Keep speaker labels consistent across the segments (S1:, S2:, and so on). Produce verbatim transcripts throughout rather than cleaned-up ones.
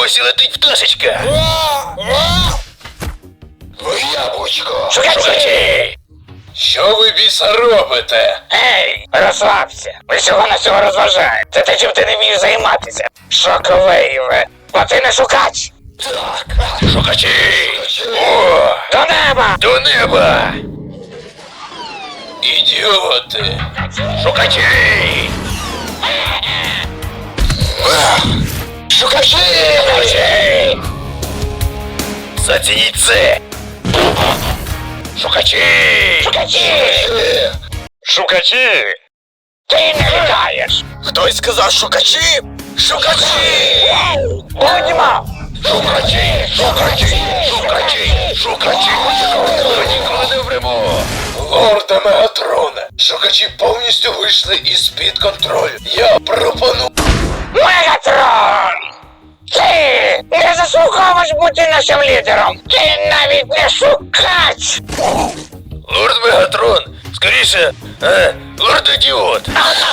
S1: Ось і летить пташечка. Яблучко. Шукачі! Що ви, біса, робите? Ей, розслабся. Ви всього на всього розважаєте. Це те, чим ти не вмієш займатися. Шоковейве. Бо ти не шукач. Так. Шукачі! О! До неба! До неба! Ідіоти! Шукачі! Шукачі! Шукачі! Зацініть це! Шукачі! Шукачі! Шукачі! Ти не літаєш! Хтось сказав шукачі? Шукачі! Будьмо! Шукачі! Шукачі! Шукачі! Шукачі! Ми ніколи не вмремо! Лорде Мегатроне! Шукачі повністю вийшли із-під контролю. Я пропоную... Мегатрон! Ти не заслуговуєш бути нашим лідером! Ти навіть не шукач! Лорд Мегатрон! Скоріше, е, лорд Ідіот!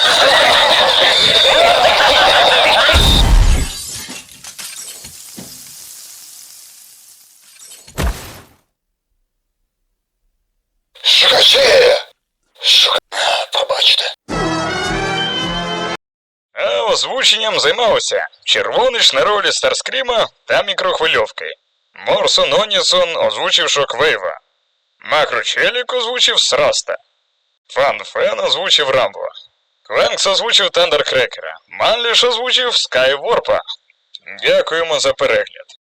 S1: Шукачі! Шука... Побачите. А озвученням займався Червонич на ролі Старскріма та мікрохвильовки. Морсон Онісон озвучив Шоквейва. Макрочелік озвучив Сраста. Фан Фен озвучив Рамбо. Квенкс озвучив Тандеркрекера. Манліш озвучив Скайворпа. Дякуємо за перегляд.